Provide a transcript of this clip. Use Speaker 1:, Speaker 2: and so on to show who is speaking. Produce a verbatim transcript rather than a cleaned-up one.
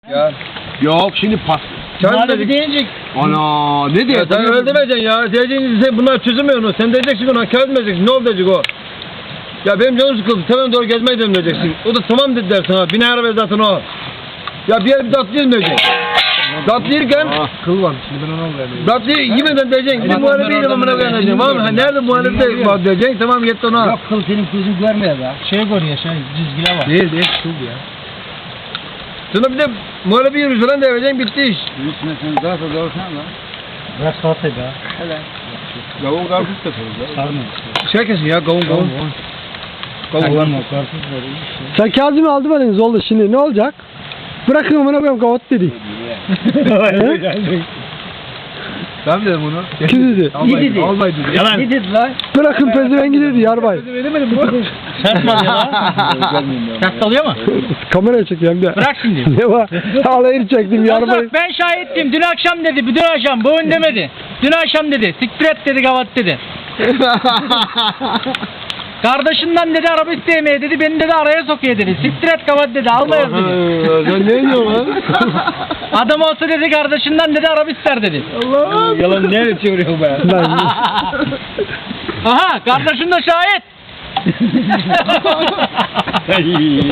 Speaker 1: Ya. Yok şimdi pas.
Speaker 2: Muhallebi diyecek.
Speaker 1: Ana ne diyor?
Speaker 3: Ya sen öyle demeyeceksin ya. Diyeceksin sen bunlar çözemiyor onu. Sen diyeceksin ona kağıt demeyeceksin. Ne oldu diyecek o? Ya benim canım sıkıldı. Tamam doğru gezmeye gidelim diyeceksin. O da tamam dedi der sana. Bine araba zaten o. Ya bir yer bir tatlı yemeyecek. Tatlı yerken
Speaker 1: Kıl varmış şimdi ben onu alıyorum.
Speaker 3: tatlı yemeden diyeceksin. Gidin muhallebi yiyelim amına koyayım diyeceksin. Var mı? Nerede muhallebi de var diyeceksin. Tamam git ona.
Speaker 2: Yok kıl senin gözün görmüyor be. Şey görüyor şey cizgiler var.
Speaker 1: Değil değil kıl ya.
Speaker 3: Sonra bir de muhallebi yiyoruz falan diyeceksin. Bitti iş.
Speaker 1: Üstüne sen zaten doğrusan lan.
Speaker 2: Bırak salatayı be.
Speaker 3: Hele.
Speaker 1: Kavun karpuz da soruz ya.
Speaker 2: Sarmıyor.
Speaker 3: Şey kesin ya kavun kavun. Kavun var.
Speaker 2: Karpuz var işte.
Speaker 4: Sen Kazım'ı aldı eliniz oldu şimdi ne olacak? Bırakın amına koyayım kavat dedi.
Speaker 1: Ben dedim bunu.
Speaker 4: Kim dedi?
Speaker 3: Albay
Speaker 2: dedi?
Speaker 3: Albay dedi.
Speaker 2: Yalan. Ne dedi lan?
Speaker 4: Bırakın pezevengi dedi yarbay.
Speaker 3: Veremedim bu.
Speaker 2: Sert mi oluyor lan? Sert oluyor mu?
Speaker 4: Kameraya çekeyim de.
Speaker 2: Bırak şimdi.
Speaker 4: Ne var? Alayını çektim yarbay.
Speaker 2: Bak ben şahittim. Dün akşam dedi. Dün akşam. Bugün demedi. Dün akşam dedi. Siktir et dedi gavat dedi. Kardeşinden dedi araba isteyemeye dedi. Beni dedi araya sokuyor dedi. Siktir et gavat dedi. Almayız dedi.
Speaker 4: Sen ne diyorsun lan?
Speaker 2: Adam olsa dedi kardeşinden dedi araba ister dedi.
Speaker 3: Allah. Yalan nereye çeviriyor be?
Speaker 4: Ben...
Speaker 2: Aha kardeşin de şahit.